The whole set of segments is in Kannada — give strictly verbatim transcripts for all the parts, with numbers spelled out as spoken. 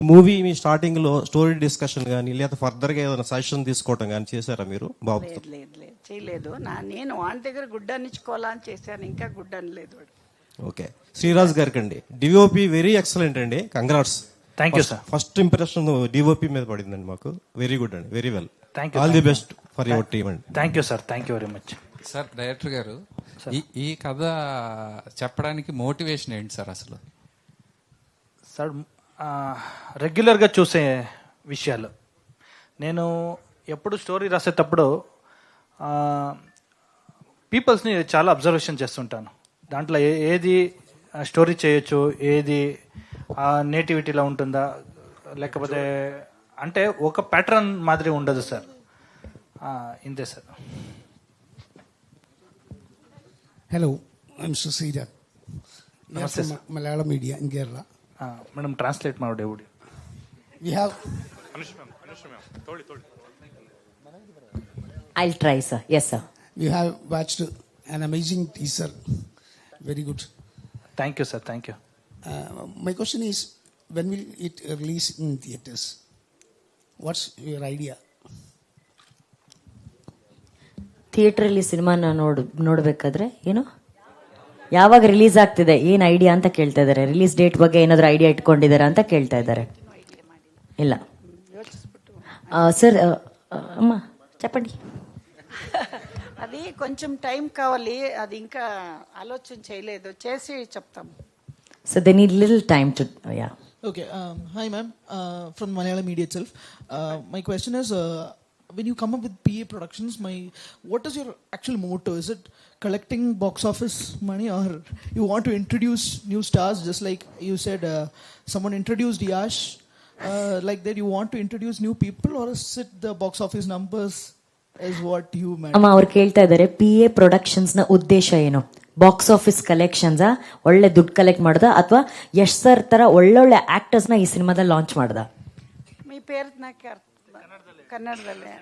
మూవీ మీ స్టార్టింగ్ లో స్టోరీ డిస్కషన్ కానీ లేదా ఫర్దర్ గా ఏదైనా సజెషన్ తీసుకోవటం కానీ చేశారా మీరు బాబు? లేదు లేదు లేదు చేయలేదు. నా నేను వాని దగ్గర గుడ్డనిచ్చుకోవాలా అని చేశాను, ఇంకా గుడ్డని లేదు వాడు. ఓకే, శ్రీరాజ్ గారికి అండి, డిఓపి వెరీ ఎక్సలెంట్ అండి, congrats. Thank you sir. First impression DOP మీద పడిందండి మాకు. వెరీ గుడ్ అండి, very well. Thank you. All the best for your team అండి. Thank you sir, thank you very much. Sir director గారు, ఈ ఈ కథ చెప్పడానికి మోటివేషన్ ఏంటి సార్ అసలు? సార్ రెగ్యులర్గా చూసే విషయాలు. నేను ఎప్పుడు స్టోరీ రాసేటప్పుడు పీపుల్స్ని చాలా అబ్జర్వేషన్ చేస్తుంటాను. దాంట్లో ఏ ఏది స్టోరీ చేయొచ్చు, ఏది నేటివిటీలో ఉంటుందా, లేకపోతే అంటే ఒక ప్యాటర్న్ మాదిరి ఉండదు సార్. ఇంతే sir. Hello, I'm Susira. Namaste, sir. Malayalam media in Kerala. Madam, translate ಮಾಡಿ ಬಿಡಿ. We have. I'll try, sir. Yes, sir. We have watched an amazing teaser. Very good. Thank you, sir. Thank you. Uh, my question is, when will it release in theaters? What's your idea? ಥಿಯೇಟ್ರಲ್ಲಿ ಸಿನಿಮಾನ ನೋಡ್ ನೋಡಬೇಕಾದ್ರೆ ಏನು ಯಾವಾಗ ರಿಲೀಸ್ ಆಗ್ತಿದೆ, ಏನು ಐಡಿಯಾ ಅಂತ ಕೇಳ್ತಾ ಇದ್ದಾರೆ. ರಿಲೀಸ್ ಡೇಟ್ ಬಗ್ಗೆ ಏನಾದರೂ ಐಡಿಯಾ ಇಟ್ಕೊಂಡಿದ್ದಾರೆ ಅಂತ ಕೇಳ್ತಾ ಇದ್ದಾರೆ. ಇಲ್ಲ సార్ అమ్మ చెప్పండి. అది కొంచెం టైం కావాలి, అది ఇంకా ఆలోచన చేయలేదు, చేసి చెప్తాము. So they need little time to yeah. Okay, um, hi ma'am, uh, from Malayalam media itself. Uh, my question is, uh, when you come up with P A productions, my what is your actual motto? Is it collecting box office money, or you want to introduce new stars, just like you said uh, someone introduced Yash, uh, like that you want to introduce new people, or is it the box office numbers is what you meant? ಅಮ್ಮ ಅವ್ರು ಕೇಳ್ತಾ ಇದ್ದಾರೆ ಪಿ ಎ ಪ್ರೊಡಕ್ಷನ್ಸ್ ನ ಉದ್ದೇಶ ಏನು? ಬಾಕ್ಸ್ ಆಫೀಸ್ ಕಲೆಕ್ಷನ್ಸ್, ಒಳ್ಳೆ ದುಡ್ಡು ಕಲೆಕ್ಟ್ ಮಾಡ್ದ, ಅಥವಾ ಯಶ್ ಸರ್ ತರ ಒಳ್ಳೊಳ್ಳೆ ಆಕ್ಟರ್ಸ್ ನ ಈ ಸಿನಿಮಾದಲ್ಲಿ ಲಾಂಚ್ ಮಾಡ್ದ? మీ పేరు నాకు ಕನ್ನಡದಲ್ಲೇ.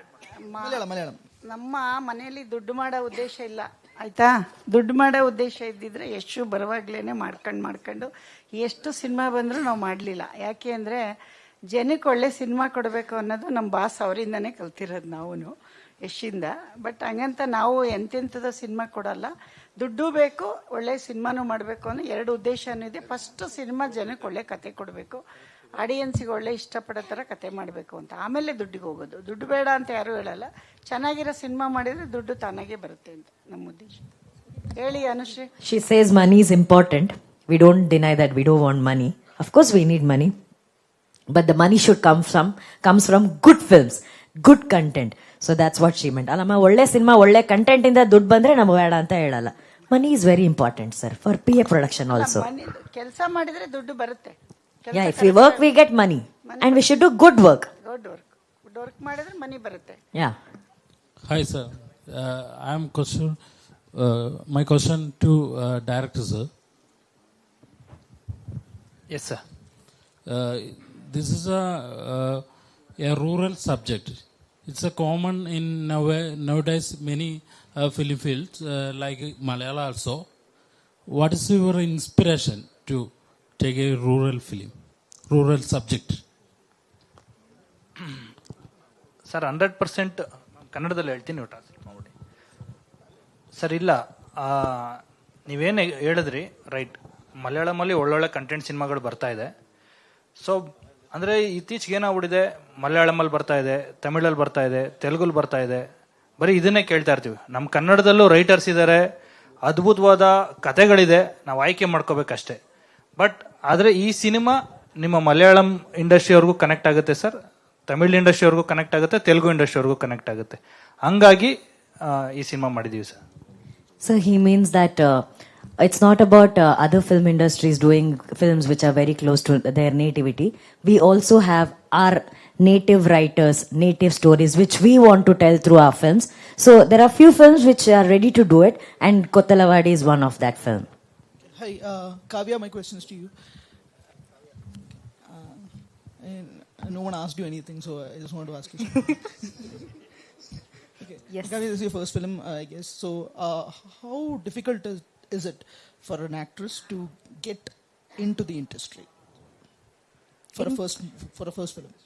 ನಮ್ಮ ಮನೆಯಲ್ಲಿ ದುಡ್ಡು ಮಾಡೋ ಉದ್ದೇಶ ಇಲ್ಲ, ಆಯ್ತಾ? ದುಡ್ಡು ಮಾಡೋ ಉದ್ದೇಶ ಇದ್ದಿದ್ರೆ ಎಷ್ಟು ಬರುವಾಗ್ಲೇನೆ ಮಾಡ್ಕೊಂಡು ಮಾಡ್ಕೊಂಡು ಎಷ್ಟು ಸಿನಿಮಾ ಬಂದರೂ ನಾವು ಮಾಡಲಿಲ್ಲ. ಯಾಕೆ ಅಂದರೆ ಜನಕ್ಕೆ ಒಳ್ಳೆ ಸಿನಿಮಾ ಕೊಡಬೇಕು ಅನ್ನೋದು ನಮ್ಮ ಬಾಸ್ ಅವರಿಂದನೇ ಕಲ್ತಿರೋದು ನಾವು ಯಶಿಂದ. ಬಟ್ ಹಂಗಂತ ನಾವು ಎಂತೆಂಥದ್ದು ಸಿನಿಮಾ ಕೊಡಲ್ಲ, ದುಡ್ಡು ಬೇಕು, ಒಳ್ಳೆ ಸಿನಿಮಾನು ಮಾಡಬೇಕು ಅನ್ನೋ ಎರಡು ಉದ್ದೇಶನೂ ಇದೆ. ಫಸ್ಟ್ ಸಿನಿಮಾ ಜನಕ್ಕೆ ಒಳ್ಳೆ ಕತೆ ಕೊಡಬೇಕು, ಆಡಿಯನ್ಸಿಗೆ ಒಳ್ಳೆ ಇಷ್ಟಪಡೋ ಥರ ಕತೆ ಮಾಡಬೇಕು ಅಂತ, ಆಮೇಲೆ ದುಡ್ಡಿಗೆ ಹೋಗೋದು. ದುಡ್ಡು ಬೇಡ ಅಂತ ಯಾರೂ ಹೇಳಲ್ಲ, ಚೆನ್ನಾಗಿರೋ ಸಿನಿಮಾ ಮಾಡಿದರೆ ದುಡ್ಡು ತಾನಾಗೆ ಬರುತ್ತೆ ಅಂತ ನಮ್ಮ ಉದ್ದೇಶ. ಹೇಳಿ Anushree. She says money is important. We don't deny that we don't want money. Of course we need money. But the money should come from comes from good films, good content. So that's what she meant. ಅಲ್ಲಮ್ಮ ಒಳ್ಳೆ ಸಿನಿಮಾ ಒಳ್ಳೆ ಕಂಟೆಂಟ್ ಇಂದ ದುಡ್ಡು ಬಂದ್ರೆ ನಮ್ಗೆ ಬೇಡ ಅಂತ ಹೇಳಲ್ಲ. Money is very important sir for P A production also. ಕೆಲಸ ಮಾಡಿದ್ರೆ ದುಡ್ಡು ಬರುತ್ತೆ. Yeah, if we work we get money and we should do good work. Good work. Good work ಮಾಡಿದ್ರೆ ಮನಿ ಬರುತ್ತೆ. Yeah. Hi sir, uh, I am question uh, my question to uh, director sir. Yes sir. Uh, this is a uh, a rural subject. It's a common in now- nowadays many uh, film fields uh, like Malayalam also. What is your inspiration to take a rural film, rural subject? Sir hundred percent ಕನ್ನಡದಲ್ಲಿ ಹೇಳ್ತೀನಿ, ನೀವು ಟ್ರಾನ್ಸ್ಲೇಟ್ ಮಾಡ್ಬಿಡಿ ಸರ್. ಇಲ್ಲ, ನೀವೇನು ಹೇಳಿದ್ರಿ ರೈಟ್, ಮಲಯಾಳಮಲ್ಲಿ ಒಳ್ಳೊಳ್ಳೆ ಕಂಟೆಂಟ್ ಸಿನಿಮಾಗಳು ಬರ್ತಾ ಇದೆ. ಸೊ ಅಂದರೆ ಇತ್ತೀಚೆಗೆ ಏನಾಗ್ಬಿಟ್ಟಿದೆ, ಮಲಯಾಳಮಲ್ಲಿ ಬರ್ತಾ ಇದೆ, ತಮಿಳಲ್ಲಿ ಬರ್ತಾ ಇದೆ, ತೆಲುಗಲ್ಲಿ ಬರ್ತಾ ಇದೆ, ಬರೀ ಇದನ್ನೇ ಕೇಳ್ತಾ ಇರ್ತೀವಿ. ನಮ್ಮ ಕನ್ನಡದಲ್ಲೂ ರೈಟರ್ಸ್ ಇದ್ದಾರೆ, ಅದ್ಭುತವಾದ ಕಥೆಗಳಿದೆ, ನಾವು ಆಯ್ಕೆ ಮಾಡ್ಕೋಬೇಕಷ್ಟೇ. ಬಟ್ ಆದರೆ ಈ ಸಿನಿಮಾ ನಿಮ್ಮ ಮಲಯಾಳಂ ಇಂಡಸ್ಟ್ರಿಯವ್ರಿಗೂ ಕನೆಕ್ಟ್ ಆಗುತ್ತೆ ಸರ್, ತಮಿಳ್ ಇಂಡಸ್ಟ್ರಿಯವ್ರಿಗೂ ಕನೆಕ್ಟ್ ಆಗುತ್ತೆ, ತೆಲುಗು ಇಂಡಸ್ಟ್ರಿಯವ್ರಿಗೂ ಕನೆಕ್ಟ್ ಆಗುತ್ತೆ. ಹಂಗಾಗಿ ಈ ಸಿನಿಮಾ ಮಾಡಿದ್ದೀವಿ sir. So he means that uh, it's not about uh, other film industries doing films which are very close to their nativity. We also have our native writers, native stories which we want to tell through our films. So there are few films which are ready to do it, and Kottalavadi is one of that film. Hi, uh, Kavya, my question is to you. Uh, and no one asked you anything, so I just want to ask you something. Okay. Yes. Kavya, this is your first film, uh, I guess. So, uh, how difficult is, is it for an actress to get into the industry? for a first for a first film?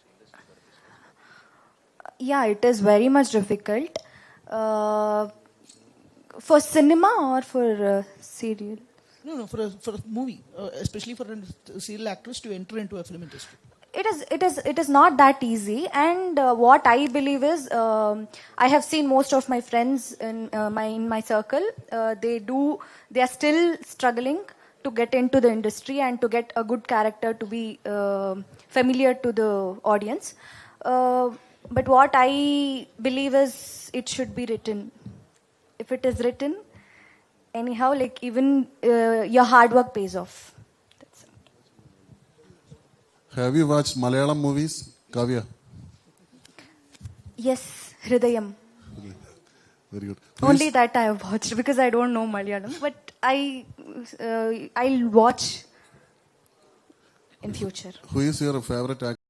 Yeah, it is very much difficult. Uh, for cinema or for uh, serial? No, no, for a for a movie, uh, especially for a serial actress to enter into a film industry. It is, it is, it is not that easy. And uh, what I believe is, um, I have seen most of my friends in uh, my in my circle. Uh, they do, they are still struggling to get into the industry and to get a good character to be uh, familiar to the audience. Uh, but what I believe is, it should be written. If it is written, anyhow, like even uh, your hard work pays off. That's it. Have you watched Malayalam movies, Kavya? Yes, Hridayam. Very good. Who Only is- that I have watched because I don't know Malayalam. But I, uh, I'll watch in future. Who is your favorite actor?